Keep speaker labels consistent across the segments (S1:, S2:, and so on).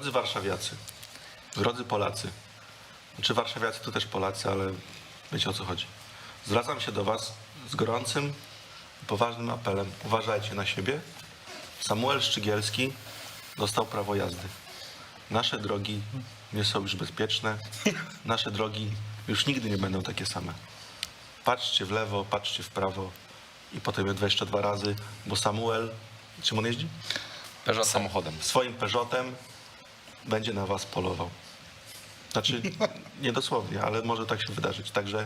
S1: Drodzy warszawiacy, drodzy Polacy, znaczy warszawiacy to też Polacy, ale wiecie o co chodzi. Zwracam się do was z gorącym, poważnym apelem. Uważajcie na siebie. Samuel Szczygielski dostał prawo jazdy. Nasze drogi nie są już bezpieczne. Nasze drogi już nigdy nie będą takie same. Patrzcie w lewo, patrzcie w prawo i potem je 22 razy, bo Samuel, czym on jeździ?
S2: Peugeot samochodem.
S1: Swoim Peugeotem będzie na was polował. Znaczy, nie dosłownie, ale może tak się wydarzyć. Także...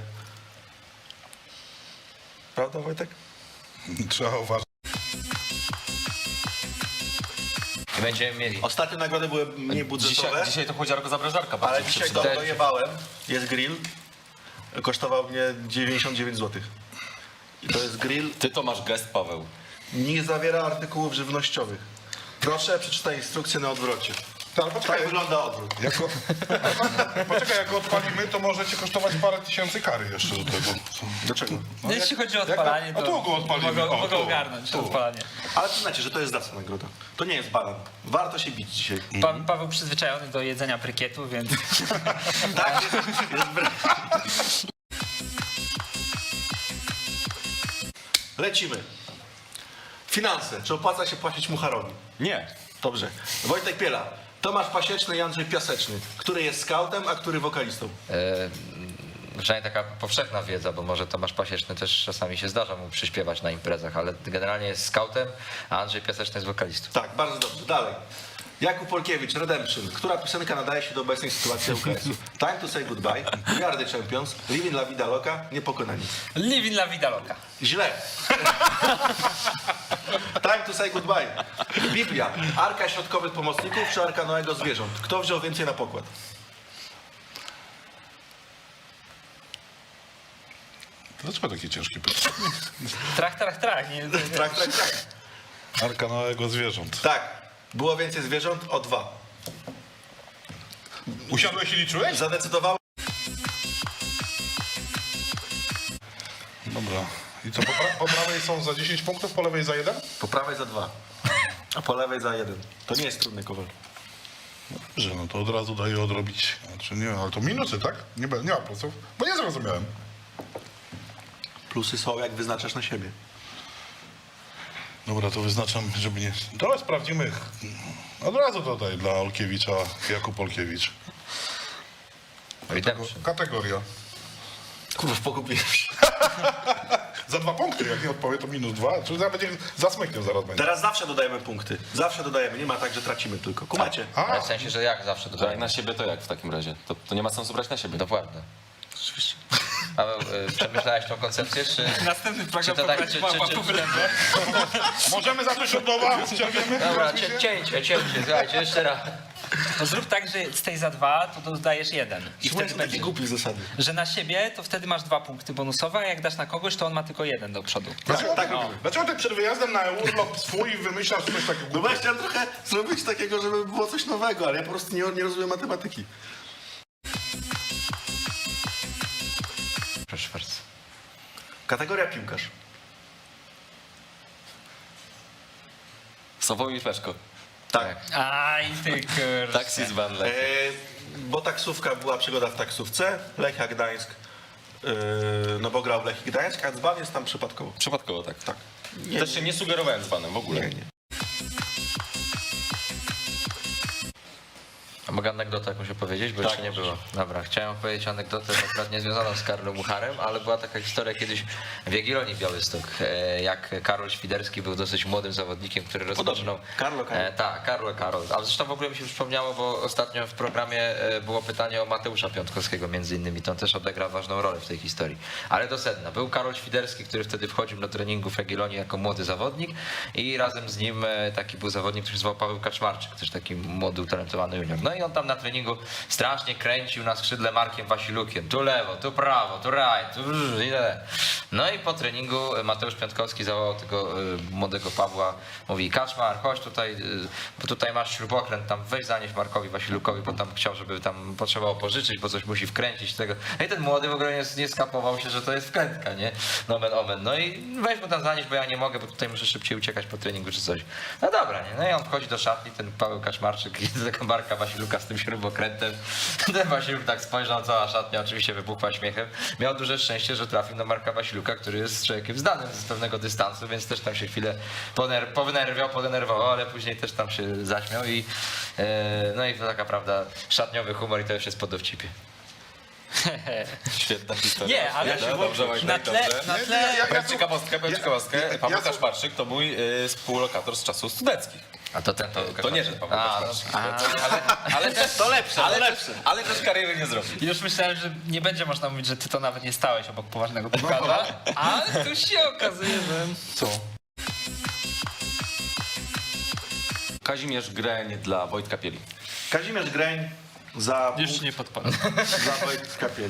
S1: Prawda, Wojtek?
S3: Trzeba uważać.
S2: I będziemy mieli.
S1: Ostatnie nagrody były mniej budżetowe,
S2: Dzisiaj to chłodziarko zabrażarka.
S1: ale dzisiaj dojebałem. Jest grill. Kosztował mnie 99 zł. I to jest grill.
S2: Ty to masz gest, Paweł.
S1: Nie zawiera artykułów żywnościowych. Proszę, przeczytaj instrukcję na odwrocie.
S3: Ale poczekaj,
S1: Tak wygląda odwrót.
S3: poczekaj, jak odpalimy, to może cię kosztować parę tysięcy kary jeszcze do tego.
S1: Do czego?
S4: No jeśli chodzi o odpalanie,
S3: A tu go odpalimy.
S4: mogę ogarnąć odpalanie.
S1: Ale przyznajcie, że to jest zacna nagroda. To nie jest balan. Warto się bić dzisiaj.
S4: Paweł przyzwyczajony do jedzenia brykietu, więc
S1: Tak, jest Lecimy. Finanse. Czy opłaca się płacić Mucharowi?
S2: Nie.
S1: Dobrze. Wojtek Piela. Tomasz Pasieczny i Andrzej Piaseczny. Który jest skautem, a który wokalistą?
S5: Przynajmniej taka powszechna wiedza, bo może Tomasz Pasieczny też czasami się zdarza mu przyśpiewać na imprezach, ale generalnie jest skautem, a Andrzej Piaseczny jest wokalistą.
S1: Tak, bardzo dobrze. Dalej. Jakub Polkiewicz, Redemption. Która piosenka nadaje się do obecnej sytuacji UKS-u? Time to say goodbye, We are the champions, Living la vida loca, Niepokonani.
S4: living la vida loca.
S1: Źle. Time to say goodbye. Biblia. Arka środkowych pomocników czy Arka Noego zwierząt? Kto wziął więcej na pokład?
S3: Dlaczego takie ciężkie pytanie?
S4: Trach. Nie,
S1: Trak.
S3: Arka Noego zwierząt.
S1: Tak. Było więcej zwierząt o 2.
S3: Usiadłeś i liczyłeś?
S1: Zadecydowało.
S3: Dobra. I co, po prawej są za 10 punktów, po lewej za 1?
S1: Po prawej za 2, a po lewej za 1. To nie jest trudny kowal.
S3: Że no to od razu daję odrobić. Znaczy nie, ale to minusy, tak? Nie ma plusów? Bo nie zrozumiałem.
S1: Plusy są, jak wyznaczasz na siebie.
S3: Dobra, to wyznaczam, żeby nie... Teraz sprawdzimy. Od razu dodaj dla Olkiewicza, Jakub Olkiewicz.
S5: Redemption.
S3: Kategoria.
S1: Kurwa, pogubiłem się.
S3: Za 2 punkty, jak nie odpowie, to minus 2. Czyli zaraz będzie za smykiem zaraz będzie.
S1: Teraz zawsze dodajemy punkty. Zawsze dodajemy. Nie ma tak, że tracimy tylko. Kumacie?
S5: Ale w sensie, że jak zawsze
S2: To jak
S5: dodaję.
S2: na siebie, to jak w takim razie? To nie ma sensu brać na siebie.
S5: Dokładnie.
S1: Oczywiście.
S5: Paweł, przemyślałeś tą koncepcję, czy...
S4: Następny program
S5: Czy to tak,
S4: pobrać
S5: czy-
S4: Pawła
S5: czy-
S4: po wylędzie.
S3: Możemy zacząć od nowa? Ciągniemy?
S5: Dobra,
S3: Rozumiem?
S5: cięcie, słuchajcie, jeszcze raz.
S4: To zrób tak, że z tej za 2 to dodajesz 1. I
S1: Słuchaj,
S4: wtedy
S1: są takie
S4: będzie.
S1: głupie zasady.
S4: Że na siebie to wtedy masz 2 punkty bonusowe, a jak dasz na kogoś, to on ma tylko 1 do przodu.
S3: Dlaczego ty przed wyjazdem na urlop swój wymyślasz coś takiego?
S1: No właśnie, chciałem trochę zrobić takiego, żeby było coś nowego, ale ja po prostu nie rozumiem matematyki.
S5: Proszę bardzo.
S1: Kategoria piłkarz.
S2: Sławomir Peszko.
S1: Tak.
S4: Aj, ty kurczę.
S2: Taxi z Van Lech.
S1: Bo taksówka, była przygoda w taksówce. Lechia Gdańsk, no bo grał w Lechii Gdańsk, a dzban jest tam przypadkowo.
S2: Przypadkowo tak.
S1: Tak.
S2: Też się nie sugerowałem z Vanem w ogóle.
S1: Nie.
S5: A mogę anegdotę jakąś opowiedzieć, bo
S2: Tak,
S5: jeszcze nie było. Dobra, chciałem opowiedzieć anegdotę akurat nie związaną z Karolem Mucharem, ale była taka historia kiedyś w Jagiellonii Białystok, jak Karol Świderski był dosyć młodym zawodnikiem, który rozpoczynał...
S1: Karlo.
S5: Tak, Karol. A zresztą w ogóle mi się przypomniało, bo ostatnio w programie było pytanie o Mateusza Piątkowskiego między innymi, to on też odegra ważną rolę w tej historii. Ale do sedna. Był Karol Świderski, który wtedy wchodził do treningu w Jagiellonii jako młody zawodnik i razem z nim taki był zawodnik, który się zwał Paweł Kaczmarczyk, też taki młody, utalentowany junior. No i on tam na treningu strasznie kręcił na skrzydle Markiem Wasilukiem. Tu lewo, tu prawo, tu right, tu i tyle. No i po treningu Mateusz Piątkowski zawołał tego młodego Pawła, mówi: Kaczmar, chodź tutaj, bo tutaj masz śrubokręt, tam weź zanieś Markowi Wasilukowi, bo tam chciał, żeby tam potrzebował pożyczyć, bo coś musi wkręcić tego. No i ten młody w ogóle nie skapował się, że to jest wkrętka, nie? Nomen omen. No i weź mu tam zanieść, bo ja nie mogę, bo tutaj muszę szybciej uciekać po treningu czy coś. No dobra, nie? No i on wchodzi do szatni, ten Paweł Kaczmarczyk i do tego Marka Wasiluka z tym śrubokrętem. Ten Wasiluk tak spojrzał, cała szatnia oczywiście wybuchła śmiechem. Miał duże szczęście, że trafił na Marka Wasiluka, który jest człowiekiem znanym z pewnego dystansu, więc też tam się chwilę podenerwował, ale później też tam się zaśmiał i no i to taka prawda, szatniowy humor i to już jest po dowcipie.
S2: Świetna historia.
S4: Nie, ale
S2: Dobrze, Wojtek,
S4: na tle,
S2: dobrze.
S4: na tle,
S2: Powiem ciekawostkę. Paweł
S3: ja-
S2: Kaczmarczyk to mój współlokator z czasów studenckich.
S5: A to ten
S2: To nie ten Paweł
S5: A,
S2: Kaczmarczyk. Ale też to lepsze, ale też kariery nie zrobił.
S4: już myślałem, że nie będzie można mówić, że ty to nawet nie stałeś obok poważnego piłkarza, ale tu się okazuje, że...
S3: Co?
S2: Kazimierz Greń dla Wojtka Pieli.
S1: Kazimierz Greń za
S4: Już nie podpadł.
S1: za Wojtka Pieli.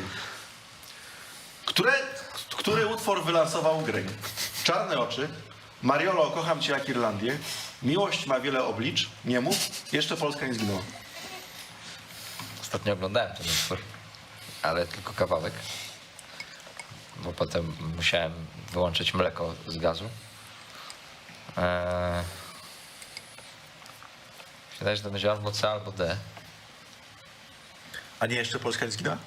S1: Który utwór wylansował Greń? Czarne oczy, Mariolo, kocham cię jak Irlandię, Miłość ma wiele oblicz, nie mów, jeszcze Polska nie zginęła.
S5: ostatnio oglądałem ten utwór, ale tylko kawałek, bo potem musiałem wyłączyć mleko z gazu. Wydaje się, że to będzie albo C, albo D.
S1: A nie jeszcze Polska nie zginęła?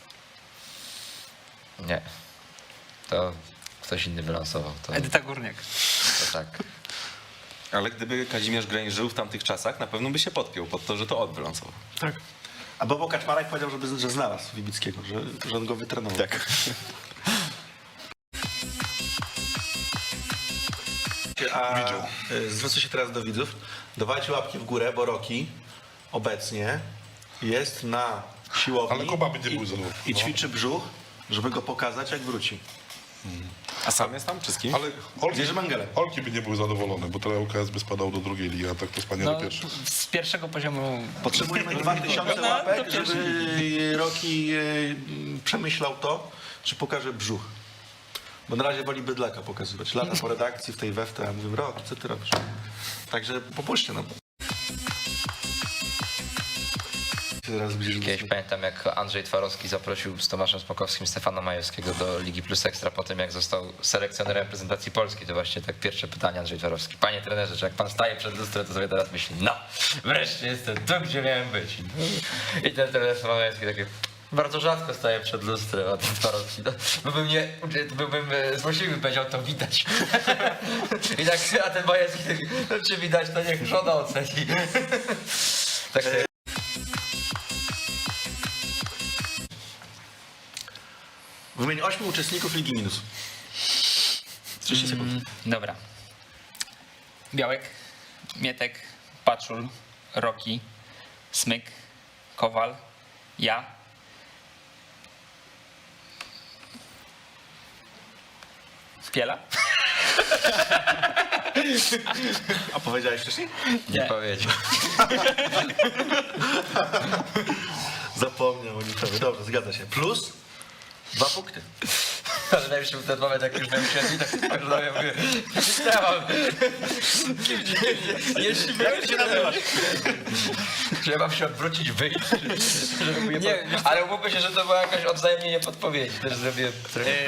S5: Nie. To ktoś inny wylansował. To
S4: Edyta Górniak.
S5: tak.
S2: Ale gdyby Kazimierz Greń żył w tamtych czasach, na pewno by się podpiął pod to, że to on wylansował.
S1: Tak. A Bobo Kaczmarek powiedział, że znalazł Wibickiego, że on go wytrenował.
S2: Tak.
S1: A
S3: Widział.
S1: zwrócę się teraz do widzów. Dawajcie łapki w górę, bo Roki obecnie jest na siłowni
S3: Ale Kuba będzie był zadowolony.
S1: i ćwiczy brzuch, żeby go pokazać, jak wróci.
S2: A sam jest tam czy z kim?
S3: Ale
S1: Gdzieś Mengelem.
S3: Olki by nie był zadowolony, bo teraz ŁKS by spadał do drugiej ligi, a tak to spadnie
S4: No,
S3: do pierwszej.
S4: z pierwszego poziomu...
S1: Potrzebujemy 2000
S4: No,
S1: łapek,
S4: to
S1: żeby Roki przemyślał to, czy pokaże brzuch. Bo na razie woli bydlaka pokazywać. Lata po redakcji w tej weftę, a mówię: Roki, co ty robisz? Także popuśćcie nam. Teraz
S5: Kiedyś pamiętam, jak Andrzej Twarowski zaprosił z Tomaszem Smokowskim Stefana Majewskiego do Ligi Plus Ekstra po tym, jak został selekcjonerem reprezentacji Polski. To właśnie tak pierwsze pytanie Andrzej Twarowski: panie trenerze, czy jak pan staje przed lustrem, to sobie teraz myśli: no, wreszcie jestem tu, gdzie miałem być. I ten trener Stefan Majewski takie: bardzo rzadko staję przed lustrem, a ten Twarowski, no, byłbym złośliwy, powiedział, to widać. I tak, a ten Majewski taki: no, czy widać, to niech żona oceni. Tak sobie.
S1: Wymień 8 uczestników Ligi Minus. 30 sekund.
S4: Dobra. Białek, Mietek, Paczul, Roki, Smyk, Kowal, ja. Piela?
S1: A powiedziałeś wcześniej?
S5: Nie powiedział.
S1: Zapomniał o niczym. Dobrze, zgadza się. Plus 2 punkty.
S5: Ale najlepszy był ten moment, jak już miałem siedzi, tak spojrzałem, ja mówię: ja mam. Jeśli
S1: Jak ty się nazywasz?
S5: że ja mam się odwrócić, wyjść. Nie, ale umówmy się, że to była jakaś odwzajemnienie podpowiedzi. Też zrobiłem trochę.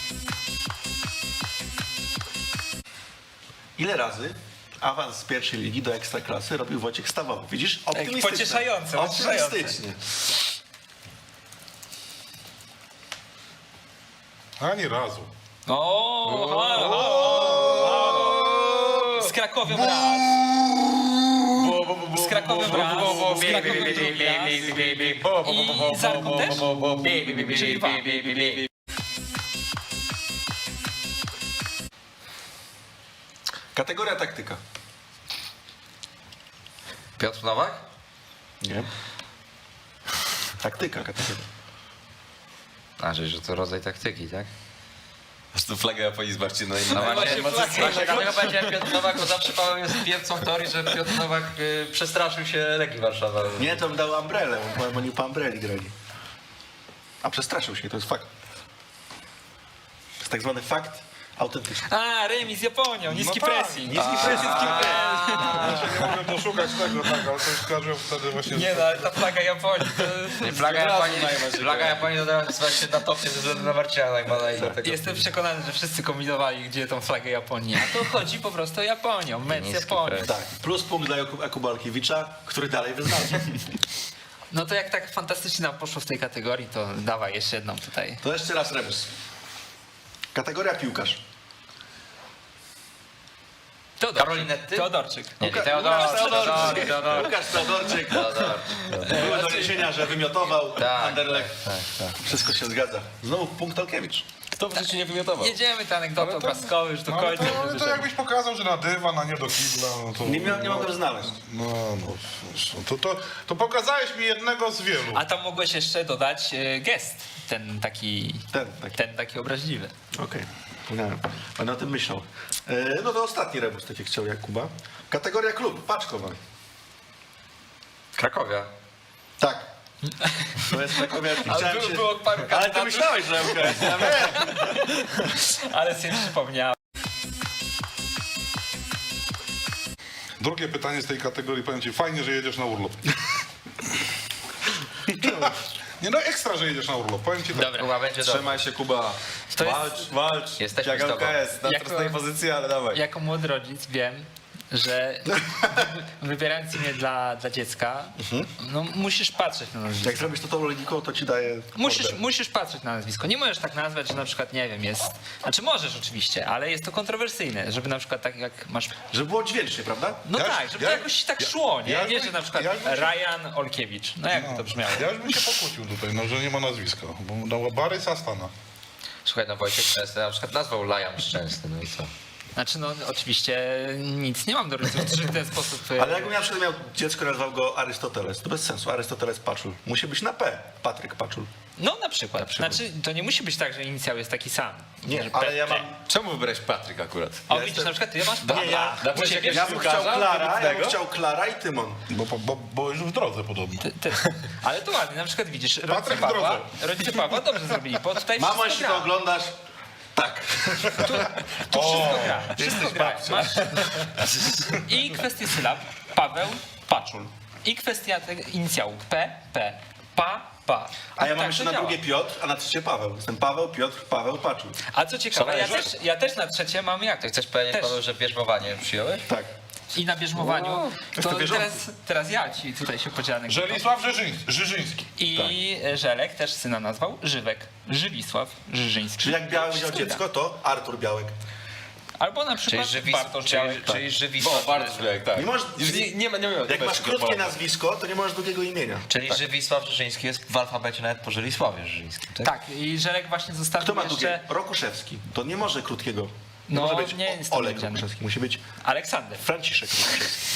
S1: Ile razy awans z pierwszej ligi do Ekstraklasy robił Wojciech Stawowy? Widzisz? Optymistycznie.
S4: Pocieszające, pocieszające.
S1: Optymistycznie.
S3: Ani razu.
S4: Z Krakowem raz. Z Krakowem raz. Z Krakowem drugi raz. I z Arką też? Czyli 2.
S1: Kategoria taktyka.
S5: Piotr Nowak?
S1: Nie. Taktyka, kategoria.
S5: A, że to rodzaj taktyki, tak?
S2: prostu flagę Japonii zobaczcie, no i
S5: No właśnie,
S4: flagę.
S5: właśnie dlatego powiedziałem Piotr Nowak, bo zawsze Paweł jest piewcą teorii, że Piotr Nowak przestraszył się Legii Warszawa.
S1: Nie, to bym dał umbrelę, bo oni po umbreli grali. A przestraszył się, to jest fakt. To jest tak zwany fakt autentyczny.
S4: A, remis z Japonią, niski
S3: No tak.
S4: pressing.
S1: Niski pressing.
S3: Znaczy, nie mogłem doszukać tego, tak, ale to już skojarzyłem wtedy właśnie...
S4: Nie no, ale ta flaga Japonii to...
S5: Flaga Japonii to teraz właśnie na topie ze względu na Marcina Najmana i dlatego...
S4: Jestem przekonany, że wszyscy kombinowali, gdzie tą flagę Japonii. A to chodzi po prostu o Japonią, mecz
S5: Niski
S4: Japonii.
S5: press.
S1: Tak, plus punkt dla Jakuba Alkiewicza, który dalej wyznaczy.
S4: No to jak tak fantastycznie nam poszło w tej kategorii, to dawaj jeszcze jedną tutaj.
S1: To jeszcze raz rebus. Kategoria piłkarz.
S5: Karolinetty?
S4: Teodorczyk.
S5: Nie, Teodor.
S1: Łukasz Teodorczyk. Były doniesienia, że wymiotował
S5: Tak,
S1: Anderlecht.
S5: tak.
S1: Wszystko się zgadza. Znowu punkt Alkiewicz.
S2: Kto w życiu nie wymiotował?
S4: Jedziemy te anegdoty opaskowe już do
S3: No, ale
S4: końca.
S3: to jakbyś pokazał, że na dywan, a nie do kibla, no to...
S1: Nie mogłem znaleźć.
S3: No, wiesz, to pokazałeś mi jednego z wielu.
S4: A tam mogłeś jeszcze dodać gest, ten taki obraźliwy.
S1: Okej, okay. Będę o tym myślał. No to ostatni rebus, tak jak chciał Jakuba. Kategoria klub, Paczkowa.
S5: Krakowia.
S1: Tak. To jest Krakowia.
S4: Ale było paru
S1: Ale ty
S4: kandydatów,
S1: myślałeś, że MKS. Ja wiem.
S4: ale sobie przypomniałem.
S3: Drugie pytanie z tej kategorii, powiem ci, fajnie, że jedziesz na urlop. Nie no, ekstra, że jedziesz na urlop, powiem ci tak.
S4: Dobra.
S5: Kuba będzie dobrze.
S2: Trzymaj się, Kuba.
S4: To jest-
S2: Walcz.
S5: Jesteśmy
S2: Jak
S5: z tobą.
S2: LKS, na
S4: Jako-
S2: prostej pozycji, ale dawaj.
S4: Jako młody rodzic wiem, że wybierając imię dla dziecka, no musisz patrzeć na nazwisko.
S1: Jak zrobisz to tą logiką, to ci daje order.
S4: Musisz patrzeć na nazwisko. Nie możesz tak nazwać, że na przykład, nie wiem, jest... Znaczy możesz oczywiście, ale jest to kontrowersyjne, żeby na przykład tak jak masz...
S1: Żeby było dźwięcznie, prawda?
S4: No
S3: Ja-
S4: tak, żeby
S3: ja-
S4: to jakoś tak szło, nie?
S3: ja-
S4: Nie, że na przykład
S3: ja-
S4: Ryan Olkiewicz. No jak by to brzmiało?
S3: Ja już bym się pokłócił tutaj, no, że nie ma nazwiska, bo dała Barys Astana.
S5: Słuchaj, no Wojciech Szczęsny na przykład nazwał Lajan Szczęsny, no i co?
S4: Znaczy no oczywiście nic nie mam do rodziców, którzy w ten sposób...
S1: Ale jakbym na przykład miał dziecko, nazwał go Arystoteles, to bez sensu. Arystoteles Paczul. Musi być na P. Patryk Paczul.
S4: No na przykład. Znaczy to nie musi być tak, że inicjał jest taki sam.
S1: Nie,
S4: Że
S1: ale ja
S4: P.
S1: mam...
S2: Czemu wybrałeś Patryk akurat?
S4: O widzisz, na przykład ty masz P.
S1: Nie, ja...
S2: Dlaczego jakiegoś
S1: Ja bym chciał
S2: piłkarza
S1: Klara, ja bym
S2: wybitnego?
S1: chciał Klara i Tymon.
S3: Bo już w drodze podobno.
S4: Ty. Ale to ładnie, na przykład widzisz,
S3: Patryk w drodze.
S4: rodzice Pawła dobrze zrobili, bo tutaj
S1: Mamo,
S4: wszystko
S1: jeśli
S4: gra.
S1: to oglądasz, tak.
S4: Tu wszystko gra. Wszystko gra. Masz i kwestię sylab, Paweł, Paczul. I kwestia tego inicjału P, Pa.
S1: A ja mam
S4: Tak
S1: jeszcze
S4: to
S1: na
S4: działa.
S1: drugie Piotr, a na trzecie Paweł. Jestem Paweł, Piotr, Paweł, Paczul.
S4: A co ciekawe,
S2: Szalejesz?
S4: ja też na trzecie mam jak?
S5: Ty chcesz powiedzieć,
S4: Też.
S5: Paweł, że bierzmowanie przyjąłeś?
S1: Tak.
S4: I na bierzmowaniu, to
S1: to wierzący.
S4: teraz ja ci tutaj się podzielę.
S3: Żelisław Żyżyński.
S4: I Żelek też syna nazwał Żywek. Żywisław Żyżyński.
S1: Czyli jak Białek miał
S4: Wszystko
S1: dziecko, to Artur Białek.
S4: gra. Albo na przykład Bartosz Białek.
S5: Czyli Żywisław.
S2: Bardzo Białek, tak.
S1: Nie możesz-
S2: Już nie ma.
S1: Jak masz krótkie nazwisko, to nie możesz długiego imienia.
S5: Czyli Żywisław Żyżyński jest w alfabecie nawet po Żylisławie Żyżyńskim, tak?
S4: Tak, i Żelek właśnie zostawił
S1: Kto ma
S4: jeszcze
S1: długie? Rokuszewski. To nie może krótkiego. Nie
S4: No,
S1: może być
S4: nie jest
S1: Olek
S4: powiedziane.
S1: Rokuszewski. Musi być
S4: Aleksander.
S1: Franciszek Rokuszewski.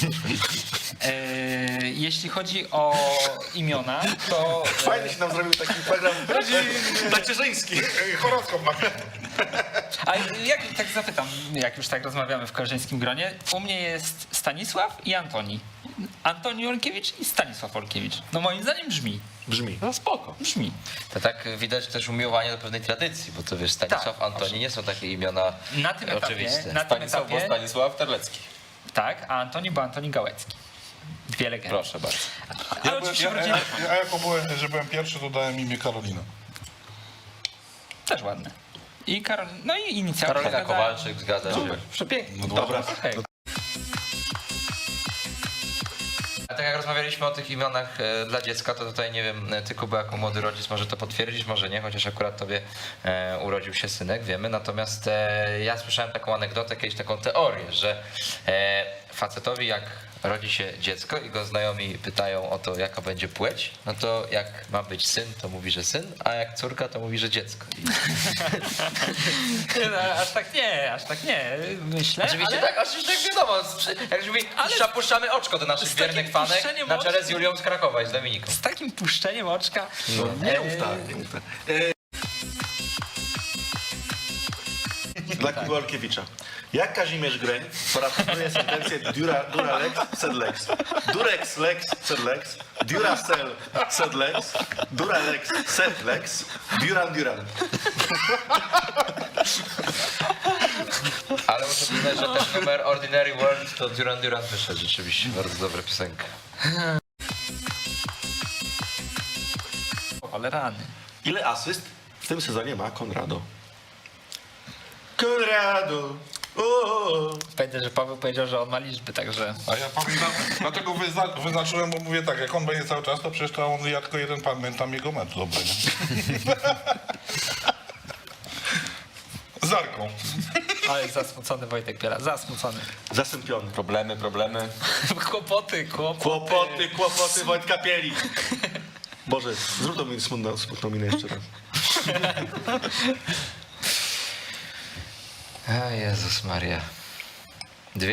S4: Jeśli chodzi o imiona, to
S1: Fajny się nam zrobił taki program tacierzyński.
S3: Horoskop ma.
S4: a jak tak zapytam, jak już tak rozmawiamy w koleżeńskim gronie, u mnie jest Stanisław i Antoni. Antoni Olkiewicz i Stanisław Olkiewicz. No moim zdaniem brzmi.
S1: Brzmi.
S2: No spoko.
S4: Brzmi.
S5: To tak widać też umiłowanie do pewnej tradycji, bo to wiesz, Stanisław,
S4: Tak,
S5: Antoni nie są takie imiona
S4: Na tym etapie,
S5: oczywiste.
S4: na tym
S2: Stanisław,
S4: etapie
S2: Stanisław Terlecki.
S4: tak, a Antoni był Antoni Gałecki. Dwie legendy.
S2: Proszę bardzo.
S4: Ale oczywiście wrócimy.
S3: Ja jako że byłem pierwszy, to dałem imię Karolina.
S4: Też ładne. I no i inicjatywa.
S5: Karolina Kowalczyk, zgadza się.
S2: Przepięknie.
S1: Dobra.
S4: Okej.
S5: A tak jak rozmawialiśmy o tych imionach dla dziecka, to tutaj nie wiem, ty Kuba jako młody rodzic może to potwierdzić, może nie, chociaż akurat tobie urodził się synek, wiemy. Natomiast ja słyszałem taką anegdotę, kiedyś taką teorię, że facetowi jak rodzi się dziecko i go znajomi pytają o to, jaka będzie płeć, no to jak ma być syn, to mówi, że syn, a jak córka, to mówi, że dziecko.
S4: Nie, no, aż tak nie, myślę,
S5: Oczywiście
S4: ale...
S5: tak, oczywiście tak wiadomo, jak mówi, puszczamy oczko do naszych
S4: z takim
S5: wiernych fanek
S4: puszczeniem
S5: na czele
S4: oczu-
S5: z Julią z Krakowa i z Dominiką.
S4: Z takim puszczeniem oczka...
S1: Nie mów tak, nie mów tak. Dla Kuby Olkiewicza. Jak Kazimierz Greń parafrazuje sentencję Duralex sed lex. Durex lex sed lex. Duracell sed lex. Duralex sed lex. Duran.
S5: Ale muszę przyznać, że ten numer Ordinary World to Duran wyszedł rzeczywiście. Bardzo dobra piosenka.
S4: Ale rany.
S1: Ile asyst w tym sezonie ma Konrado? Konrado! O!
S4: Pamiętaj, że Paweł powiedział, że on ma liczby, także...
S3: A ja pamiętam, dlatego wyznaczyłem, bo mówię tak, jak on będzie cały czas, to przecież to on, ja tylko jeden pamiętam jego mecz dobry, nie? Zarką.
S4: Ale zasmucony Wojtek Piela, zasmucony.
S1: Zasępiony.
S2: Problemy.
S4: Kłopoty.
S1: Kłopoty Wojtka Pieli. Boże, zrób to mi smutną minę jeszcze raz.
S5: A Jezus Maria. 2?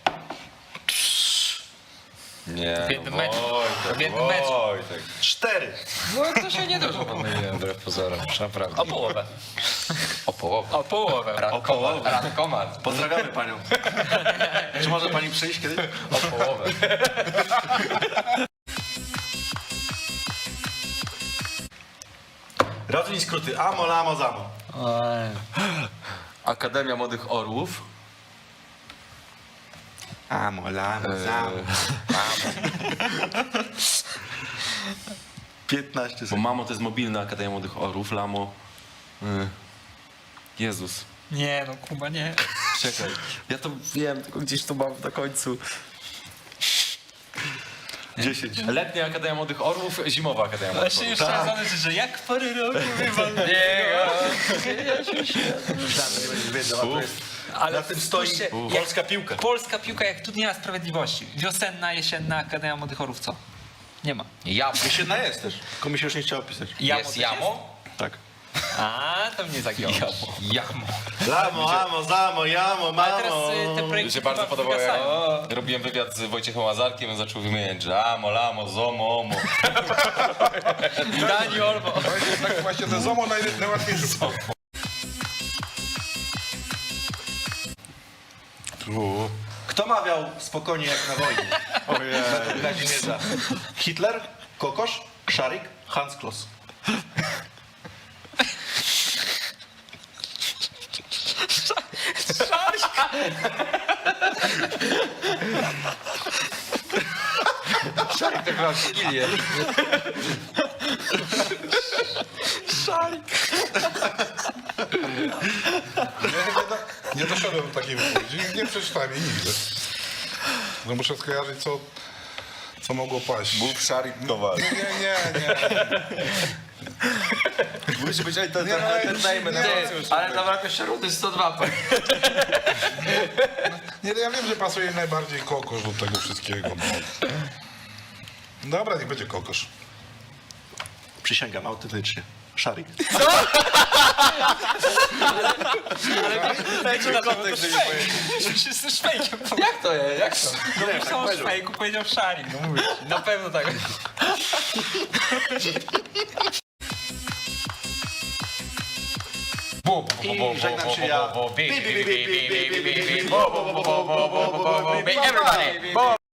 S2: Nie,
S4: W jednym meczu.
S2: Wojtek,
S4: W jednym meczu.
S2: Wojtek.
S1: 4.
S5: No to się nie dużo pomyliłem, wbrew pozorom, naprawdę.
S4: O połowę.
S5: O połowę.
S4: O połowę.
S5: Radkomat.
S1: Pozdrawiamy panią. Czy może pani przyjść kiedyś?
S5: O połowę.
S1: Rozwiń skróty. Amo, lamo, zamo.
S2: Akademia Młodych Orłów.
S1: Amo, lamo, zamo. 15
S2: Bo
S1: sekund.
S2: Mamo to jest mobilna Akademia Młodych Orłów, Lamo... Jezus.
S4: Nie no, Kuba, nie.
S2: Czekaj, ja to wiem, tylko gdzieś to mam na końcu.
S1: 10.
S2: Letnia Akademia Młodych Orłów, zimowa Akademia Młodych
S4: Właśnie
S2: Orłów.
S4: już trzeba zadać, że jak pory roku wywalnie.
S1: Myślałem, że nie będziesz wiedział, a to jest...
S4: Ale
S1: Na tym stoi
S4: spójrzcie,
S1: polska piłka.
S4: Polska piłka, jak tu nie ma sprawiedliwości. Wiosenna, jesienna Akademia Młodych Orłów, co? Nie ma.
S5: Jamo.
S1: Jesienna jest też. Tylko mi się już nie chciało pisać.
S4: Jamo
S5: Jest
S4: też
S5: jamo?
S1: Tak.
S4: A, to mnie zagiąłeś.
S5: Jamo.
S1: Lamo, amo, zamo, jamo,
S4: Ale teraz
S1: mamo.
S4: te
S2: Mi
S4: projekty
S2: się bardzo
S4: chyba
S2: podobało, jak
S4: wygasają.
S2: robiłem wywiad z Wojciechem Łazarkiem, on zaczął wymieniać, że amo, lamo, zomo, omo.
S4: Dani Olmo.
S3: To jest tak właśnie ten ZOMO najłatwiejszy. Tu.
S1: Kto mawiał spokojnie jak na wojnie? Według Kazimierza. Hitler, Kokosz, Szarik, Hans Kloss.
S5: Szarik to chyba Wigilię.
S3: Nie doszedłem do takiej wypowiedzi, nie przeczytałem jej nigdy. No muszę skojarzyć, co mogło paść.
S2: Bób Szarik Kowal.
S3: Nie.
S2: Musi być
S3: entertainment.
S5: Ale zabrakło jeszcze rundy 102.
S3: Nie, ja wiem, że pasuje najbardziej kokosz do tego wszystkiego. No. Dobra, niech będzie kokosz.
S1: Przysięgam, autentycznie. Szarik.
S4: Wszyscy szwejkiem.
S5: Jak to jest? Jak to?
S4: No myślał o szwejku, powiedział Szarik. No mówię ci. Na pewno tak.
S1: I żegnam się ja.
S5: Everybody.